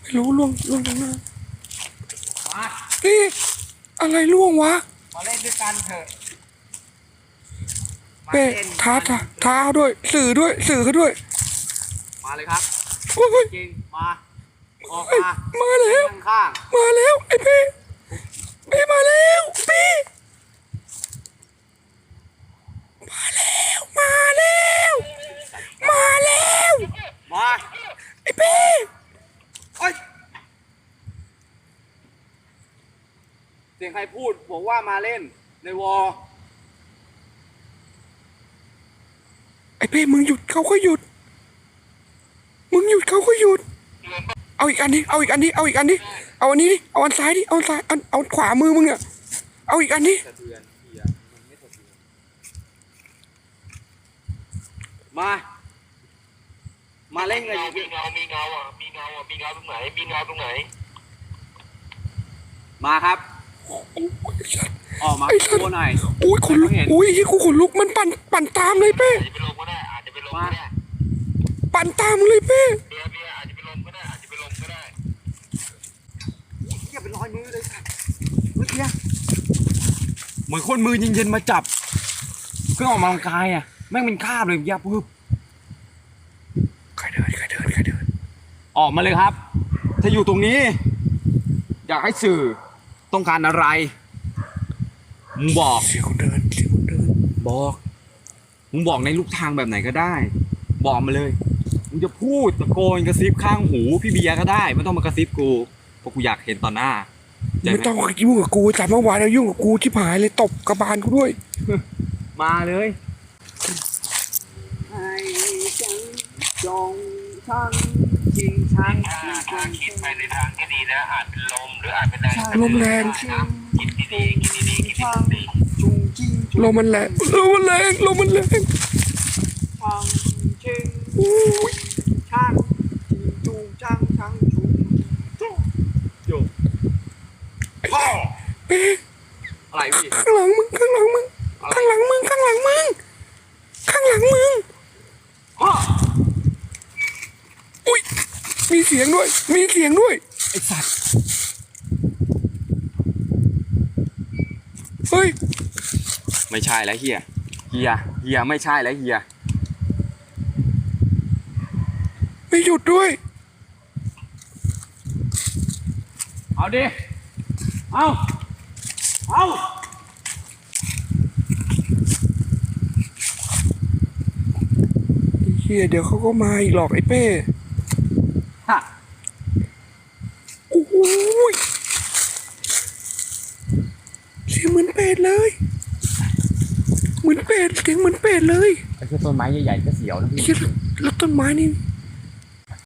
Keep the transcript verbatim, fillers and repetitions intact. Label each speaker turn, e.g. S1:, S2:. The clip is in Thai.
S1: ไม่รู้ล่วงล่วงตรงหน้า
S2: มา
S1: นี่อะไรล่วงวะ
S2: มาเล่นด้วยกันเถอะมา
S1: เป้
S2: เล่น
S1: ท้าท้าท้าด้วย สื่อด้วยสื่อเขาด้วย
S2: มาเลยครับ
S1: โอ้ย
S2: จริงมาออก
S1: เฮ้ย
S2: มา
S1: มาแล้ว
S2: ข้าง
S1: มาแล้วไอ้เป้เป้มาแล้วเป้มาแล้วมาแล้วมาแล้ว
S2: ๆมา
S1: ไอ้เป้
S2: เอ้ยเสียงใครพูดบอกว่ามาเล่นในวอล
S1: ไอ้เป้มึงหยุดเขาก็หยุดมึงหยุดเขาก็หยุดเอาอีกอันนี้เอาอีกอันนี้เอาอีกอันนี้เอาอันนี้ดิเอาอันซ้ายดิเอาอันซ้ายเอาเอาขวามือมึงอะเอาอีกอันนี้
S2: สะเทือนเฮียมันไม่สะเทือนมา มาเล่นกัน
S3: มีเงา มีเงาอ่ะ มีเงาอ่ะ มีเงาตรงไหน มีเงาตรงไหน
S2: มาครับ
S1: โอ้ยสัตว์
S2: ออกมา
S1: ไอ้สัตว์
S2: ตัวหน่อย
S1: โอ้ยขนลุก
S2: ให้เขาเห็น
S1: โอ้ยยี่กูขนลุกมันปั่นปั่นตามเลยเป้
S3: อาจจะไปลงก็ได้ อาจจะไปลงก็ได้
S1: ปั่นตามเลยเป้
S3: เบียร์เบียร์อาจจะไปลงก็ได้ อาจจะไปลงก็ได้
S2: เฮียเป็นรอยมือเลยค่ะเมื่อกี้เหมือนคนมือเย็นๆมาจับเครื่องออกกำลังกายอ่ะแม่งเป็นคราบเลยยับปึ๊บ
S1: ใครเดินใครเดินใครเดิน
S2: ออกมาเลยครับ ถ้าอยู่ตรงนี้ อยากให้สื่อต้องการอะไรมึงบอก
S1: เสียงคนเดินเสียงคนเดิน
S2: บอกมึงบอกในลูกทางแบบไหนก็ได้ บอกมาเลยมึงจะพูดตะโกนกระซิบข้างหูพี่เบียร์ก็ได้ไม่ต้องมากระซิบกูเพราะกูอยากเห็นต่อหน้าเข้าใจห
S1: ไม่ต้องยุ่งกับกูจัดเมื่อวานแล้วยุ่งกับกูชิบหายเลยตบกระบาลกูด้วย
S2: มาเลยให้ฉันจงชังชิงชัง
S3: ถ้าถ้าคิดไปในทางที่ดีนะ อาจเป็นลมหรืออาจเป็นแรง
S1: ลมแรง
S3: นะคิดดีๆคิดดีๆคิดดี
S2: จุงจิ้งจุง
S1: ลมมันแรงลมมันแรงลมมันแรง
S2: ชังชิง
S1: โอ้ย
S2: ชังชิงจุงชังชังจุงจุงจุงพ่อ
S1: เป้
S2: อะไรพี่
S1: ข้างหลังมึงข้างหลังมึงข้างหลังมึงข้างหลังมึงข้างหลังมึง
S2: พ่อ
S1: อุ้ยมีเสียงด้วยมีเสียงด้วย
S2: ไอสัตว์
S1: เฮ้ย
S2: ไม่ใช่แล้วเฮียเฮียเฮียไม่ใช่แล้วเฮีย
S1: ไม่หยุดด้วย
S2: เอาดิเอาเอา
S1: เฮียเดี๋ยวเขาก็มาอีกหรอกไอ้เป้
S2: ฮะ
S1: โอ้ยเสียงเหมือนเป็ดเลยเหมือนเป็ดเสียงเหมือนเป็ดเลย
S2: ไอ้ต้นไม้ใหญ่ๆก็เสียวนะพี่
S1: เฮียแล้วต้นไม้นี่